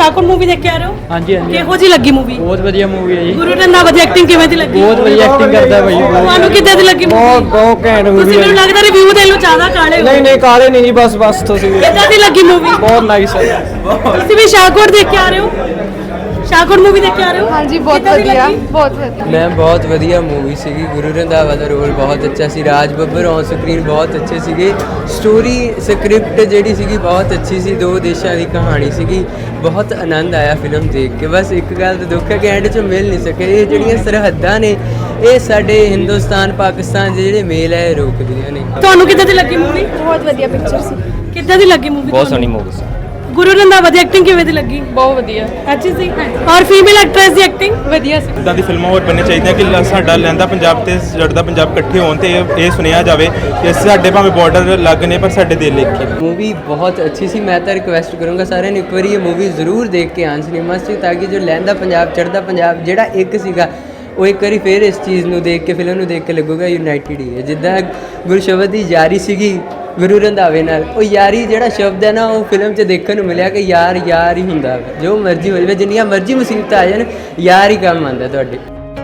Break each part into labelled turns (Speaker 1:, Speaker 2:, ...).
Speaker 1: Shahkot movie ਦੇਖ ਕੇ ਆ ਰਹੇ ਹੋ?
Speaker 2: ਹਾਂਜੀ ਹਾਂਜੀ
Speaker 1: ਕਿਹੋ ਜੀ ਲੱਗੀ ਮੂਵੀ?
Speaker 2: ਬਹੁਤ ਵਧੀਆ ਮੂਵੀ ਹੈ ਜੀ।
Speaker 1: ਗੁਰੂ ਰੰਧਾਵਾ ਦੀ ਐਕਟਿੰਗ ਕਿਵੇਂ ਦੀ ਲੱਗੀ?
Speaker 2: ਬਹੁਤ ਵਧੀਆ ਐਕਟਿੰਗ ਕਰਦਾ ਭਾਈ।
Speaker 1: ਤੁਹਾਨੂੰ ਕਿੱਦਾਂ ਦੀ ਲੱਗੀ ਮੂਵੀ?
Speaker 3: ਬਹੁਤ ਘੈਂਟ
Speaker 1: ਤੁਸੀਂ
Speaker 3: ਮੂਵੀ
Speaker 1: ਮੈਨੂੰ ਲੱਗਦਾ ਰਿਵਿਊ ਦੇ ਲੋ ਜ਼ਿਆਦਾ ਕਾਲੇ ਹੋ।
Speaker 3: ਨਹੀਂ ਕਾਲੇ ਨਹੀਂ ਜੀ, ਬਸ ਤੁਸੀਂ
Speaker 1: ਕਿੱਦਾਂ ਦੀ ਲੱਗੀ ਮੂਵੀ?
Speaker 3: ਬਹੁਤ ਨਾਈਸ ਹੈ।
Speaker 1: ਤੁਸੀਂ ਵੀ ਸ਼ਾਹਕੋਟ ਦੇਖ ਕੇ ਆ ਰਹੇ ਹੋ? ਸ਼ਾਹਕੋਟ ਮੂਵੀ ਦੇਖ ਕੇ ਆ ਰਹੇ ਹੋ?
Speaker 4: ਹਾਂਜੀ ਬਹੁਤ
Speaker 1: ਕਿੱਦਾਂ ਦੀ
Speaker 4: ਵਧੀਆ
Speaker 1: ਲੱਗੀ?
Speaker 4: ਬਹੁਤ ਵਧੀਆ।
Speaker 5: ਮੈਮ ਬਹੁਤ ਵਧੀਆ ਮੂਵੀ ਸੀਗੀ। ਗੁਰੂ ਰੰਧਾਵਾ ਦਾ ਰੋਲ ਬਹੁਤ ਅੱਛਾ ਸੀ। ਰਾਜ ਬੱਬਰ ਔਨ ਸਕਰੀਨ ਬਹੁਤ ਅੱਛੇ ਸੀਗੇ। ਸਟੋਰੀ ਸਕ੍ਰਿਪਟ ਜਿਹੜੀ ਸੀਗੀ ਬਹੁਤ ਅੱਛੀ ਸੀ। ਦੋ ਦੇਸ਼ਾਂ ਦੀ ਕਹਾਣੀ ਸੀਗੀ। ਬਹੁਤ ਆਨੰਦ ਆਇਆ ਫਿਲਮ ਦੇਖ ਕੇ। ਬਸ ਇੱਕ ਗੱਲ ਤਾਂ ਦੁੱਖ ਹੈ ਕਿ ਐਂਡ 'ਚ ਮਿਲ ਨਹੀਂ ਸਕੇ। ਇਹ ਜਿਹੜੀਆਂ ਸਰਹੱਦਾਂ ਨੇ ਇਹ ਸਾਡੇ ਹਿੰਦੁਸਤਾਨ ਪਾਕਿਸਤਾਨ ਦੇ ਜਿਹੜੇ ਮੇਲ ਹੈ ਇਹ ਰੋਕਦੀਆਂ ਨੇ।
Speaker 1: ਤੁਹਾਨੂੰ ਕਿੱਦਾਂ ਦੀ ਲੱਗੀ ਮੂਵੀ?
Speaker 4: ਬਹੁਤ ਵਧੀਆ ਪਿਕਚਰ ਸੀ।
Speaker 1: ਕਿੱਦਾਂ ਦੀ ਲੱਗੀ ਮੂਵੀ?
Speaker 2: ਬਹੁਤ ਸੋਹਣੀ ਮੂਵੀ ਸੀ।
Speaker 1: ਗੁਰੂ ਰੰਧਾਵਾ ਦੀ ਐਕਟਿੰਗ ਕਿਵੇਂ ਦੀ ਲੱਗੀ?
Speaker 4: ਬਹੁਤ ਵਧੀਆ।
Speaker 1: ਅੱਛੀ ਸੀ। ਔਰ ਫੀਮੇਲ ਐਕਟ੍ਰੈਸ ਦੀ ਐਕਟਿੰਗ
Speaker 4: ਵਧੀਆ ਸੀ।
Speaker 6: ਇੱਦਾਂ ਦੀ ਫਿਲਮਾਂ ਹੋਰ ਬਣਨੀਆਂ ਚਾਹੀਦੀਆਂ ਕਿ ਸਾਡਾ ਲਹਿੰਦਾ ਪੰਜਾਬ ਤੇ ਜੜਦਾ ਪੰਜਾਬ ਇਕੱਠੇ ਹੋਣ ਤੇ ਇਹ ਸੁਣਿਆ ਜਾਵੇ ਕਿ ਸਾਡੇ ਭਾਵੇਂ ਬਾਰਡਰ ਲੱਗ ਨੇ ਪਰ ਸਾਡੇ ਦਿਲ ਇੱਕ ਹੀ।
Speaker 5: मूवी बहुत अच्छी सी। मैं तो रिक्वेस्ट करूँगा सारे ने एक बार ये मूवी ज़रूर देख के आन सिनेमा से, ताकि जो लहंदा पंजाब चढ़दा पंजाब ਜਿਹੜਾ ਇੱਕ ਸੀਗਾ ਉਹ ਇੱਕ ਵਾਰੀ ਫਿਰ ਇਸ ਚੀਜ਼ ਨੂੰ ਦੇਖ ਕੇ ਫਿਲਮ ਨੂੰ ਦੇਖ ਕੇ ਲੱਗੂਗਾ ਯੂਨਾਈਟਿਡ ਹੀ ਹੈ। ਜਿੱਦਾਂ ਗੁਰਸ਼ਬਦ ਦੀ ਯਾਰੀ ਸੀਗੀ ਗੁਰੂ ਰੰਧਾਵੇ ਨਾਲ, ਉਹ ਯਾਰੀ ਜਿਹੜਾ ਸ਼ਬਦ ਹੈ ਨਾ ਉਹ ਫਿਲਮ 'ਚ ਦੇਖਣ ਨੂੰ ਮਿਲਿਆ ਕਿ ਯਾਰ ਯਾਰ ਹੀ ਹੁੰਦਾ। ਜੋ ਮਰਜ਼ੀ ਹੋ ਜਾਵੇ, ਜਿੰਨੀਆਂ ਮਰਜ਼ੀ ਮੁਸੀਬਤਾਂ ਆ ਜਾਣ, ਯਾਰ ਹੀ ਕੰਮ ਆਉਂਦਾ ਤੁਹਾਡੇ।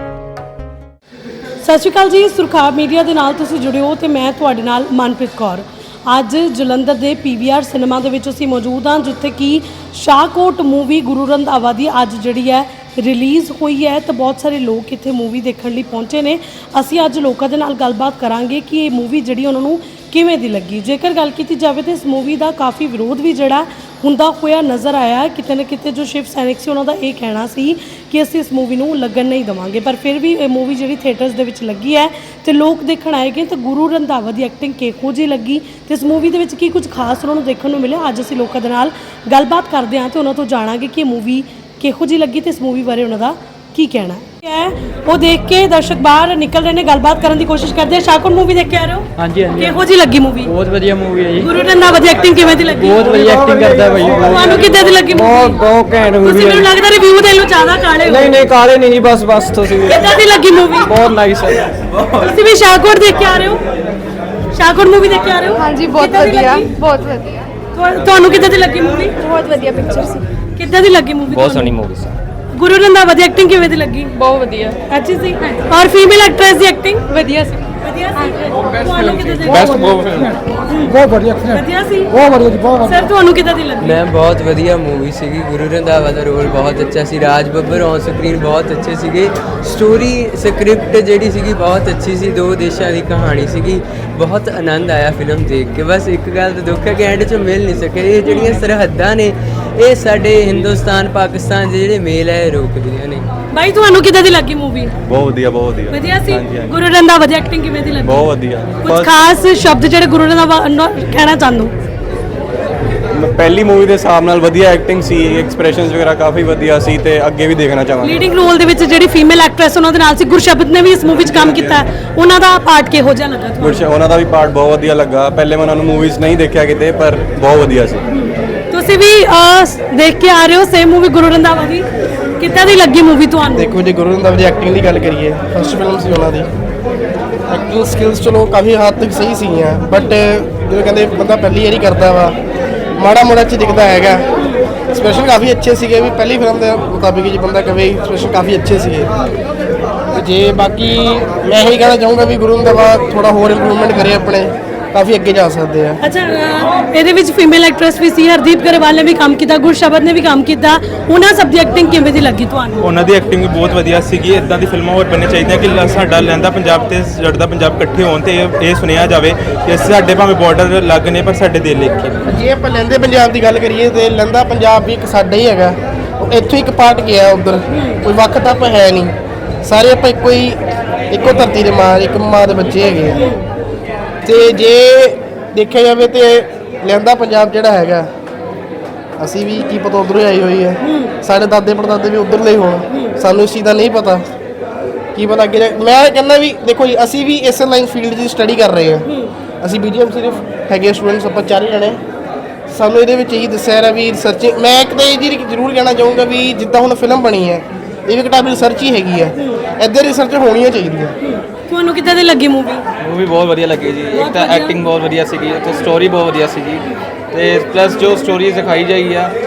Speaker 1: ਸਤਿ ਸ਼੍ਰੀ ਅਕਾਲ ਜੀ, ਸੁਰਖਾਬ ਮੀਡੀਆ ਦੇ ਨਾਲ ਤੁਸੀਂ ਜੁੜੇ ਹੋ ਤੇ ਮੈਂ ਤੁਹਾਡੇ ਨਾਲ ਮਨਪ੍ਰੀਤ ਕੌਰ। ਅੱਜ ਜਲੰਧਰ ਦੇ PVR ਸਿਨੇਮਾ ਦੇ ਵਿੱਚ ਅਸੀਂ ਮੌਜੂਦ ਹਾਂ, ਜਿੱਥੇ ਕਿ ਸ਼ਾਹਕੋਟ ਮੂਵੀ ਗੁਰੂ ਰੰਧਾਵਾ ਦੀ ਅੱਜ ਜਿਹੜੀ ਹੈ ਰਿਲੀਜ਼ ਹੋਈ ਹੈ ਤੇ ਬਹੁਤ ਸਾਰੇ ਲੋਕ ਇੱਥੇ ਮੂਵੀ ਦੇਖਣ ਲਈ ਪਹੁੰਚੇ ਨੇ। ਅਸੀਂ ਅੱਜ ਲੋਕਾਂ ਦੇ ਨਾਲ ਗੱਲਬਾਤ ਕਰਾਂਗੇ ਕਿ ਇਹ ਮੂਵੀ ਜਿਹੜੀ ਉਹਨਾਂ ਨੂੰ ਕਿਵੇਂ ਦੀ ਲੱਗੀ। ਜੇਕਰ ਗੱਲ ਕੀਤੀ ਜਾਵੇ ਤਾਂ ਇਸ ਮੂਵੀ ਦਾ ਕਾਫੀ ਵਿਰੋਧ ਵੀ ਜਿਹੜਾ ਹੁੰਦਾ ਹੋਇਆ ਨਜ਼ਰ ਆਇਆ। ਕਿਤੇ ਨਾ ਕਿਤੇ ਜੋ ਸ਼ਿਵ ਸੈਨਿਕ ਸੀ ਉਹਨਾਂ ਦਾ ਇਹ ਕਹਿਣਾ ਸੀ ਕਿ ਅਸੀਂ ਇਸ ਮੂਵੀ ਨੂੰ ਲੱਗਣ ਨਹੀਂ ਦੇਵਾਂਗੇ, ਪਰ ਫਿਰ ਵੀ ਇਹ ਮੂਵੀ ਜਿਹੜੀ ਥੀਏਟਰਸ ਦੇ ਵਿੱਚ ਲੱਗੀ ਹੈ ਤੇ ਲੋਕ ਦੇਖਣ ਆਏਗੇ ਤਾਂ ਗੁਰੂ ਰੰਧਾਵਾ ਦੀ ਐਕਟਿੰਗ ਕਿਹੋ ਜਿਹੀ ਲੱਗੀ ਤੇ ਇਸ ਮੂਵੀ ਦੇ ਵਿੱਚ ਕੀ ਕੁਝ ਖਾਸ ਉਹਨਾਂ ਨੂੰ ਦੇਖਣ ਨੂੰ ਮਿਲਿਆ। ਅੱਜ ਅਸੀਂ ਲੋਕਾਂ ਦੇ ਨਾਲ ਗੱਲਬਾਤ ਕਰਦੇ ਹਾਂ ਤੇ ਉਹਨਾਂ ਤੋਂ ਜਾਣਾਂਗੇ ਕਿ ਇਹ ਮੂਵੀ ਕਿਹੋ ਜਿਹੀ ਲੱਗੀ ਤੇ ਇਸ ਮੂਵੀ ਬਾਰੇ ਉਹਨਾਂ ਦਾ ਕੀ ਕਹਿਣਾ ਹੈ। ਉਹ ਦੇਖ ਕੇ ਦਰਸ਼ਕ ਬਾਹਰ ਨਿਕਲ ਰਹੇ ਨੇ, ਗੱਲਬਾਤ ਕਰਨ ਦੀ ਕੋਸ਼ਿਸ਼ ਕਰਦੇ ਆ। ਸ਼ਾਹਕੋਟ ਮੂਵੀ ਦੇਖ ਕੇ ਆ ਰਹੇ ਹੋ?
Speaker 2: ਹਾਂਜੀ ਹਾਂਜੀ
Speaker 1: ਕਿਹੋ ਜਿਹੀ ਲੱਗੀ ਮੂਵੀ?
Speaker 2: ਬਹੁਤ ਵਧੀਆ ਮੂਵੀ ਹੈ ਜੀ।
Speaker 1: ਗੁਰੂ ਰੰਧਾਵਾ ਦੀ ਐਕਟਿੰਗ ਕਿਵੇਂ ਦੀ ਲੱਗੀ?
Speaker 2: ਬਹੁਤ ਵਧੀਆ ਐਕਟਿੰਗ ਕਰਦਾ ਭਾਈ।
Speaker 1: ਤੁਹਾਨੂੰ ਕਿੱਦਾਂ ਦੀ ਲੱਗੀ ਮੂਵੀ?
Speaker 3: ਬਹੁਤ ਘੈਂਟ
Speaker 1: ਤੁਸੀਂ
Speaker 3: ਮੂਵੀ
Speaker 1: ਮੈਨੂੰ ਲੱਗਦਾ ਰਿਵਿਊ ਦੇ ਲੋ ਜ਼ਿਆਦਾ ਕਾਲੇ ਹੋ।
Speaker 3: ਨਹੀਂ ਕਾਲੇ ਨਹੀਂ ਜੀ, ਬਸ ਤੁਸੀਂ
Speaker 1: ਕਿੱਦਾਂ ਦੀ ਲੱਗੀ ਮੂਵੀ?
Speaker 3: ਬਹੁਤ ਨਾਈਸ ਹੈ।
Speaker 1: ਤੁਸੀਂ ਵੀ ਸ਼ਾਹਕੋਟ ਦੇਖ ਕੇ ਆ ਰਹੇ ਹੋ? ਸ਼ਾਹਕੋਟ ਮੂਵੀ ਦੇਖ ਕੇ ਆ ਰਹੇ ਹੋ?
Speaker 4: ਹਾਂਜੀ ਬਹੁਤ
Speaker 1: ਕਿੱਦਾਂ ਦੀ
Speaker 4: ਵਧੀਆ
Speaker 1: ਲੱਗੀ?
Speaker 4: ਬਹੁਤ ਵਧੀਆ।
Speaker 1: ਤੁਹਾਨੂੰ ਕਿੱਦਾਂ ਦੀ ਲੱਗੀ ਮੂਵੀ?
Speaker 4: ਬਹੁਤ ਵਧੀਆ ਪਿਕਚਰ ਸੀ।
Speaker 1: ਕਿੱਦਾਂ ਦੀ ਲੱਗੀ ਮੂਵੀ?
Speaker 2: ਬਹੁਤ ਸੋਹਣੀ ਮੂਵੀ ਸੀ।
Speaker 1: ਗੁਰੂ ਰੰਧਾਵਾ ਦੀ ਐਕਟਿੰਗ ਕਿਵੇਂ ਦੀ ਲੱਗੀ?
Speaker 4: ਬਹੁਤ ਵਧੀਆ।
Speaker 1: ਅੱਛੀ ਸੀ। ਔਰ ਫੀਮੇਲ ਐਕਟ੍ਰੈਸ ਦੀ ਐਕਟਿੰਗ
Speaker 4: ਵਧੀਆ ਸੀ।
Speaker 1: ਵਧੀਆ ਸੀ। ਤੁਹਾਨੂੰ ਕਿੱਦਾਂ ਦੀ
Speaker 3: ਬਹੁਤ ਵਧੀਆ
Speaker 1: ਵਧੀਆ ਸੀ।
Speaker 3: ਬਹੁਤ ਵਧੀਆ ਜੀ, ਬਹੁਤ
Speaker 1: ਸਰ ਤੁਹਾਨੂੰ ਕਿੱਦਾਂ ਦੀ ਲੱਗੀ?
Speaker 5: ਮੈਂ ਬਹੁਤ ਵਧੀਆ ਮੂਵੀ ਸੀਗੀ। ਗੁਰੂ ਰੰਧਾਵਾ ਦਾ ਰੋਲ ਬਹੁਤ ਅੱਛਾ ਸੀ। ਰਾਜ ਬੱਬਰ ਔਨ ਸਕਰੀਨ ਬਹੁਤ ਅੱਛੇ ਸੀਗੇ। ਸਟੋਰੀ ਸਕ੍ਰਿਪਟ ਜਿਹੜੀ ਸੀਗੀ ਬਹੁਤ ਅੱਛੀ ਸੀ। ਦੋ ਦੇਸ਼ਾਂ ਦੀ ਕਹਾਣੀ ਸੀਗੀ। ਬਹੁਤ ਆਨੰਦ ਆਇਆ ਫਿਲਮ ਦੇਖ ਕੇ। ਬਸ ਇੱਕ ਗੱਲ ਤਾਂ ਦੁੱਖ ਹੈ ਕਿ ਐਂਡ 'ਚ ਮਿਲ ਨਹੀਂ ਸਕੇ। ਇਹ ਜਿਹੜੀਆਂ ਸਰਹੱਦਾਂ ਨੇ ਇਹ ਸਾਡੇ ਹਿੰਦੁਸਤਾਨ ਪਾਕਿਸਤਾਨ ਦੇ ਜਿਹੜੇ ਮੇਲ ਹੈ ਇਹ ਰੋਕਦੀਆਂ ਨੇ।
Speaker 1: ਬਾਈ ਤੁਹਾਨੂੰ ਕਿੱਦਾਂ ਦੀ ਲੱਗੀ ਮੂਵੀ?
Speaker 6: ਬਹੁਤ ਵਧੀਆ
Speaker 1: ਵਧੀਆ ਸੀ। ਗੁਰੂ ਰੰਧਾਵਾ ਦੀ ਐਕਟਿੰਗ ਕਿਵੇਂ ਦੀ ਲੱਗੀ?
Speaker 6: ਬਹੁਤ ਵਧੀਆ।
Speaker 1: ਕੁਝ ਖਾਸ ਸ਼ਬਦ ਜਿਹੜੇ ਗੁਰੂ ਰੰਧਾਵਾ ਨਾਲ ਕਹਿਣਾ ਚਾਹੁੰਦੇ ਹੋ?
Speaker 6: ਪਹਿਲੀ ਮੂਵੀ ਦੇ ਹਿਸਾਬ ਨਾਲ ਵਧੀਆ ਐਕਟਿੰਗ ਸੀ, ਐਕਸਪ੍ਰੈਸ਼ਨਸ ਵਗੈਰਾ ਕਾਫੀ ਵਧੀਆ ਸੀ ਤੇ ਅੱਗੇ ਵੀ ਦੇਖਣਾ ਚਾਹਾਂਗੇ।
Speaker 1: ਲੀਡਿੰਗ ਰੋਲ ਦੇ ਵਿੱਚ ਜਿਹੜੀ ਫੀਮੇਲ ਐਕਟ੍ਰੈਸ ਉਹਨਾਂ ਦੇ ਨਾਲ ਸੀ ਗੁਰਸ਼ਬਦ ਨੇ ਵੀ ਇਸ ਮੂਵੀ 'ਚ ਕੰਮ ਕੀਤਾ, ਉਹਨਾਂ ਦਾ ਪਾਰਟ ਕਿਹੋ ਜਿਹਾ ਲੱਗਾ ਤੁਹਾਨੂੰ?
Speaker 6: ਉਹਨਾਂ ਦਾ ਵੀ ਪਾਰਟ ਬਹੁਤ ਵਧੀਆ ਲੱਗਾ। ਪਹਿਲੇ ਮੈਂ ਉਹਨਾਂ ਨੂੰ ਮੂਵੀਜ਼ ਨਹੀਂ ਦੇਖਿਆ ਕਿਤੇ, ਪਰ ਬਹੁਤ ਵਧੀਆ ਸੀ।
Speaker 1: ਤੁਸੀਂ ਵੀ ਦੇਖ ਕੇ ਆ ਰਹੇ ਹੋ ਸੇਮ ਮੂਵੀ ਗੁਰੂ ਰੰਧਾਵਾ ਦੀ, ਕਿੱਦਾਂ ਦੀ ਲੱਗੀ ਮੂਵੀ ਤੁਹਾਨੂੰ?
Speaker 3: ਦੇਖੋ ਜੀ, ਗੁਰੂ ਰੰਧਾਵਾ ਦੀ ਐਕਟਿੰਗ ਦੀ ਗੱਲ ਕਰੀਏ, ਫਸਟ ਫਿਲਮ ਸੀ ਉਹਨਾਂ ਦੀ। ਐਕਟਿੰਗ ਸਕਿੱਲਸ ਚਲੋ ਕਾਫੀ ਹੱਦ ਤੱਕ ਸਹੀ ਸੀਗੀਆਂ, ਬਟ ਜਿਵੇਂ ਕਹਿੰਦੇ ਬੰਦਾ ਪਹਿਲੀ ਵਾਰੀ ਕਰਦਾ ਵਾ, ਮਾੜਾ ਮੋੜਾ ਚ ਦਿਖਦਾ ਹੈਗਾ। ਐਕਸਪ੍ਰੈਸ਼ਨ ਕਾਫੀ ਅੱਛੇ ਸੀਗੇ ਵੀ ਪਹਿਲੀ ਫਿਲਮ ਦੇ ਮੁਤਾਬਿਕ ਜੀ ਬੰਦਾ ਕਵੇ ਐਕਸਪ੍ਰੈਸ਼ਨ ਕਾਫੀ ਅੱਛੇ ਸੀਗੇ। ਜੇ ਬਾਕੀ ਮੈਂ ਇਹੀ ਕਹਿਣਾ ਚਾਹੂੰਗਾ ਵੀ ਗੁਰੂ ਰੰਧਾਵਾ ਥੋੜਾ ਹੋਰ ਇੰਪਰੂਵਮੈਂਟ ਕਰੇ, ਆਪਣੇ ਕਾਫੀ ਅੱਗੇ ਜਾ ਸਕਦੇ ਆ।
Speaker 1: ਅੱਛਾ, ਇਹਦੇ ਵਿੱਚ ਫੀਮੇਲ ਐਕਟ੍ਰੈਸ ਵੀ ਸੀ, ਹਰਦੀਪ ਗਰੇਵਾਲ ਨੇ ਵੀ ਕੰਮ ਕੀਤਾ, ਗੁਰਸ਼ਬਦ ਨੇ ਵੀ ਕੰਮ ਕੀਤਾ, ਉਹਨਾਂ ਸਭ ਦੀ ਐਕਟਿੰਗ ਕਿਵੇਂ ਦੀ ਲੱਗੀ ਤੁਹਾਨੂੰ?
Speaker 6: ਉਹਨਾਂ ਦੀ ਐਕਟਿੰਗ ਵੀ ਬਹੁਤ ਵਧੀਆ ਸੀਗੀ। ਇੱਦਾਂ ਦੀ ਫਿਲਮਾਂ ਹੋਰ ਬਣਨੀਆਂ ਚਾਹੀਦੀਆਂ ਕਿ ਸਾਡਾ ਲਹਿੰਦਾ ਪੰਜਾਬ ਤੇ ਜੜਦਾ ਪੰਜਾਬ ਇਕੱਠੇ ਹੋਣ ਤੇ ਇਹ ਸੁਣਿਆ ਜਾਵੇ ਕਿ ਸਾਡੇ ਭਾਵੇਂ ਬਾਰਡਰ ਲੱਗ ਨੇ ਪਰ ਸਾਡੇ ਦਿਲ ਇੱਕ ਹੀ।
Speaker 3: ਜੇ ਆਪਾਂ ਲਹਿੰਦੇ ਪੰਜਾਬ ਦੀ ਗੱਲ ਕਰੀਏ ਤੇ ਲਹਿੰਦਾ ਪੰਜਾਬ ਵੀ ਇੱਕ ਸਾਡਾ ਹੀ ਹੈਗਾ। ਉਹ ਇੱਥੋਂ ਇੱਕ ਪਾਰਟ ਗਿਆ ਉਧਰ, ਕੋਈ ਵੱਖ ਤੱਪ ਹੈ ਨਹੀਂ। ਸਾਰੇ ਆਪਾਂ ਇੱਕੋ ਧਰਤੀ ਦੇ ਮਾਂ, ਇੱਕ ਮਾਂ ਦੇ ਬੱਚੇ ਹੈਗੇ ਆ। ਤੇ ਜੇ ਦੇਖਿਆ ਜਾਵੇ ਤੇ ਲਹਿੰਦਾ ਪੰਜਾਬ ਜਿਹੜਾ ਹੈਗਾ, ਅਸੀਂ ਵੀ ਕੀ ਪਤਾ ਉਧਰੋਂ ਆਈ ਹੋਈ ਹੈ, ਸਾਡੇ ਦਾਦੇ ਪੜਦਾਦੇ ਵੀ ਉਧਰਲੇ ਹੋਣ, ਸਾਨੂੰ ਇਸ ਚੀਜ਼ ਦਾ ਨਹੀਂ ਪਤਾ। ਕੀ ਪਤਾ ਅੱਗੇ ਮੈਂ ਕਹਿੰਦਾ ਵੀ ਦੇਖੋ ਜੀ, ਅਸੀਂ ਵੀ ਇਸ ਲਾਈਨ ਫੀਲਡ ਦੀ ਸਟੱਡੀ ਕਰ ਰਹੇ ਹਾਂ। ਅਸੀਂ BGM ਸਿਰਫ ਹੈਗੇ ਸਟੂਡੈਂਟਸ, ਆਪਾਂ 4 ਜਣੇ। ਸਾਨੂੰ ਇਹਦੇ ਵਿੱਚ ਇਹੀ ਦੱਸਿਆ ਰਿਹਾ ਵੀ ਰਿਸਰਚਿੰਗ, ਮੈਂ ਇੱਕ ਤਾਂ ਇਹ ਜੀ ਜ਼ਰੂਰ ਕਹਿਣਾ ਚਾਹੂੰਗਾ ਵੀ ਜਿੱਦਾਂ ਹੁਣ ਫਿਲਮ ਬਣੀ ਹੈ ਇਹ ਵੀ ਕਿਤਾਬੀ ਰਿਸਰਚ ਹੀ ਹੈਗੀ ਹੈ, ਇੱਧਰ ਰਿਸਰਚ ਹੋਣੀਆਂ ਚਾਹੀਦੀਆਂ।
Speaker 1: ਤੁਹਾਨੂੰ ਕਿੱਦਾਂ ਦੀ ਲੱਗੀ ਮੂਵੀ?
Speaker 2: ਮੂਵੀ ਬਹੁਤ ਵਧੀਆ ਲੱਗੀ ਜੀ। ਇੱਕ ਤਾਂ ਐਕਟਿੰਗ ਬਹੁਤ ਵਧੀਆ ਸੀਗੀ ਤੇ ਸਟੋਰੀ ਬਹੁਤ ਵਧੀਆ ਸੀਗੀ, ਤੇ ਪਲੱਸ ਜੋ ਸਟੋਰੀ ਦਿਖਾਈ ਜਾਈ ਆ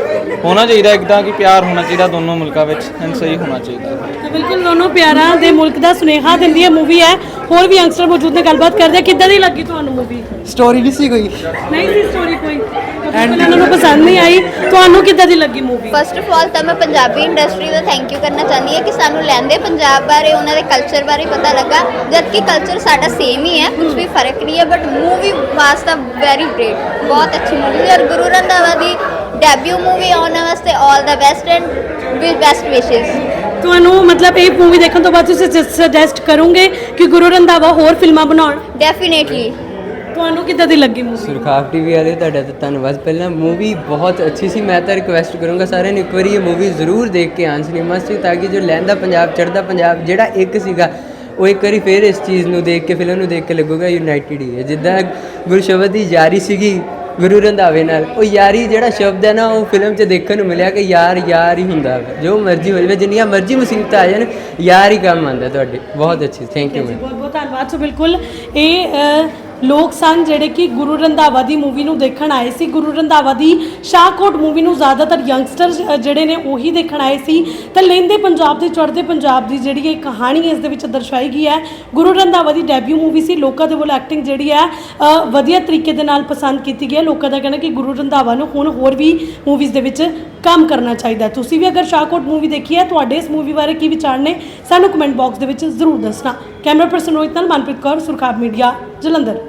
Speaker 2: ਹੋਣਾ ਚਾਹੀਦਾ ਇੱਕਦਾਂ ਕਿ ਪਿਆਰ ਹੋਣਾ ਚਾਹੀਦਾ ਦੋਨੋਂ ਮੁਲਕਾਂ ਵਿੱਚ ਐਂਡ ਸਹੀ ਹੋਣਾ ਚਾਹੀਦਾ।
Speaker 1: ਤਾਂ ਬਿਲਕੁਲ ਦੋਨੋਂ ਪਿਆਰਾਂ ਦੇ ਮੁਲਕ ਦਾ ਸੁਨੇਹਾ ਦਿੰਦੀ ਹੈ ਮੂਵੀ ਹੈ। ਹੋਰ ਵੀ ਯੰਗਸਟਰ ਮੌਜੂਦ ਨੇ, ਗੱਲਬਾਤ ਕਰਦੇ ਆ। ਕਿੱਦਾਂ ਦੀ ਲੱਗੀ ਤੁਹਾਨੂੰ ਮੂਵੀ?
Speaker 7: ਸਟੋਰੀ ਨਹੀਂ ਸੀ ਕੋਈ
Speaker 1: ਨਹੀਂ ਸੀ ਸਟੋਰੀ ਕੋਈ, ਉਹਨਾਂ ਨੂੰ ਪਸੰਦ ਨਹੀਂ ਆਈ। ਤੁਹਾਨੂੰ ਕਿੱਦਾਂ ਦੀ ਲੱਗੀ ਮੂਵੀ?
Speaker 8: ਫਸਟ ਆਫ ਆਲ ਤਾਂ ਮੈਂ ਪੰਜਾਬੀ ਇੰਡਸਟਰੀ ਦਾ ਥੈਂਕ ਯੂ ਕਰਨਾ ਚਾਹੁੰਦੀ ਹਾਂ ਕਿ ਸਾਨੂੰ ਲਹਿੰਦੇ ਪੰਜਾਬ ਬਾਰੇ, ਉਹਨਾਂ ਦੇ ਕਲਚਰ ਬਾਰੇ ਪਤਾ ਲੱਗਾ, ਜਦ ਕਿ ਕਲਚਰ ਸਾਡਾ ਸੇਮ ਹੀ ਹੈ, ਕੁਝ ਵੀ ਫਰਕ ਨਹੀਂ ਹੈ। ਬਟ ਮੂਵੀ ਵਾਸ ਤਾਂ ਵੈਰੀ ਗ੍ਰੇਟ, ਬਹੁਤ ਅੱਛੀ ਮੂਵੀ ਹੈ। ਔਰ ਗੁਰੂ ਰੰਧਾਵਾ ਦੀ ਡੈਬਿਊ ਮੂਵੀ ਆਉਣ ਵਾਸਤੇ all the best and with best wishes.
Speaker 1: ਤੁਹਾਨੂੰ ਮਤਲਬ ਇਹ ਮੂਵੀ ਦੇਖਣ ਤੋਂ ਬਾਅਦ ਤੁਸੀਂ ਸੁਜੈਸਟ ਕਰੋਗੇ ਕਿ ਗੁਰੂ ਰੰਧਾਵਾ ਹੋਰ ਫਿਲਮਾਂ ਬਣਾਉਣ?
Speaker 8: ਡੈਫੀਨੇਟਲੀ।
Speaker 1: ਤੁਹਾਨੂੰ ਕਿੱਦਾਂ ਦੀ ਲੱਗੀ ਮੂਵੀ?
Speaker 5: ਸੁਰਖਾਬ ਟੀਵੀ ਵਾਲੇ ਤੁਹਾਡਾ ਤਾਂ ਧੰਨਵਾਦ। ਪਹਿਲਾਂ ਮੂਵੀ ਬਹੁਤ ਅੱਛੀ ਸੀ। ਮੈਂ ਤਾਂ ਰਿਕੁਐਸਟ ਕਰੂੰਗਾ ਸਾਰਿਆਂ ਨੂੰ ਇੱਕ ਵਾਰੀ ਇਹ ਮੂਵੀ ਜ਼ਰੂਰ ਦੇਖ ਕੇ ਆਉਣ ਸਿਨੇਮਾ 'ਚ, ਤਾਂ ਕਿ ਜੋ ਲਹਿੰਦਾ ਪੰਜਾਬ ਚੜ੍ਹਦਾ ਪੰਜਾਬ ਜਿਹੜਾ ਇੱਕ ਸੀਗਾ, ਉਹ ਇੱਕ ਵਾਰੀ ਫਿਰ ਇਸ ਚੀਜ਼ ਨੂੰ ਦੇਖ ਕੇ, ਫਿਲਮ ਨੂੰ ਦੇਖ ਕੇ ਲੱਗੂਗਾ ਯੂਨਾਈਟਿਡ ਹੀ ਹੈ। ਜਿੱਦਾਂ ਗੁਰਸ਼ਬਦ ਦੀ ਯਾਰੀ ਸੀਗੀ ਗੁਰੂ ਰੰਧਾਵੇ ਨਾਲ, ਉਹ ਯਾਰੀ ਜਿਹੜਾ ਸ਼ਬਦ ਹੈ ਨਾ, ਉਹ ਫਿਲਮ 'ਚ ਦੇਖਣ ਨੂੰ ਮਿਲਿਆ ਕਿ ਯਾਰ ਯਾਰ ਹੀ ਹੁੰਦਾ ਵਾ। ਜੋ ਮਰਜ਼ੀ ਹੋ ਜਾਵੇ, ਜਿੰਨੀਆਂ ਮਰਜ਼ੀ ਮੁਸੀਬਤਾਂ ਆ ਜਾਣ, ਯਾਰ ਹੀ ਕੰਮ ਆਉਂਦਾ ਤੁਹਾਡੇ। ਬਹੁਤ ਅੱਛੀ, ਥੈਂਕ ਯੂ ਮੈਮ।
Speaker 1: ਬਹੁਤ ਬਹੁਤ ਧੰਨਵਾਦ। ਸੋ ਬਿਲਕੁਲ ਇਹ ਲੋਕ ਸਨ ਜਿਹੜੇ ਕਿ ਗੁਰੂ ਰੰਧਾਵਾ ਦੀ ਮੂਵੀ ਨੂੰ ਦੇਖਣ ਆਏ ਸੀ। ਗੁਰੂ ਰੰਧਾਵਾ ਦੀ ਸ਼ਾਹਕੋਟ ਮੂਵੀ ਨੂੰ ਜ਼ਿਆਦਾਤਰ ਯੰਗਸਟਰ ਜਿਹੜੇ ਨੇ ਉਹੀ ਦੇਖਣ ਆਏ ਸੀ। ਤਾਂ ਲਹਿੰਦੇ ਪੰਜਾਬ ਤੇ ਚੜ੍ਹਦੇ ਪੰਜਾਬ ਦੀ ਜਿਹੜੀ ਇਹ ਕਹਾਣੀ ਇਸ ਦੇ ਵਿੱਚ ਦਰਸਾਈ ਗਈ ਹੈ। ਗੁਰੂ ਰੰਧਾਵਾ ਦੀ ਡੈਬਿਊ ਮੂਵੀ ਸੀ। ਲੋਕਾਂ ਦੇ ਵੱਲੋਂ ਐਕਟਿੰਗ ਜਿਹੜੀ ਹੈ ਵਧੀਆ ਤਰੀਕੇ ਦੇ ਨਾਲ ਪਸੰਦ ਕੀਤੀ ਗਈ ਹੈ। ਲੋਕਾਂ ਦਾ ਕਹਿਣਾ ਕਿ ਗੁਰੂ ਰੰਧਾਵਾ ਨੂੰ ਹੁਣ ਹੋਰ ਵੀ ਮੂਵੀਜ਼ ਦੇ ਵਿੱਚ ਕੰਮ ਕਰਨਾ ਚਾਹੀਦਾ। ਤੁਸੀਂ ਵੀ ਅਗਰ ਸ਼ਾਹਕੋਟ ਮੂਵੀ ਦੇਖੀ ਹੈ, ਤੁਹਾਡੇ ਇਸ ਮੂਵੀ ਬਾਰੇ ਕੀ ਵਿਚਾਰ ਨੇ, ਸਾਨੂੰ ਕਮੈਂਟ ਬਾਕਸ ਦੇ ਵਿੱਚ ਜ਼ਰੂਰ ਦੱਸਣਾ। ਕੈਮਰਾ ਪਰਸਨ ਰੋਹਿਤ ਨਾਲ ਮਨਪ੍ਰੀਤ ਕੌਰ, ਸੁਰਖਾਬ ਮੀਡੀਆ, ਜਲੰਧਰ।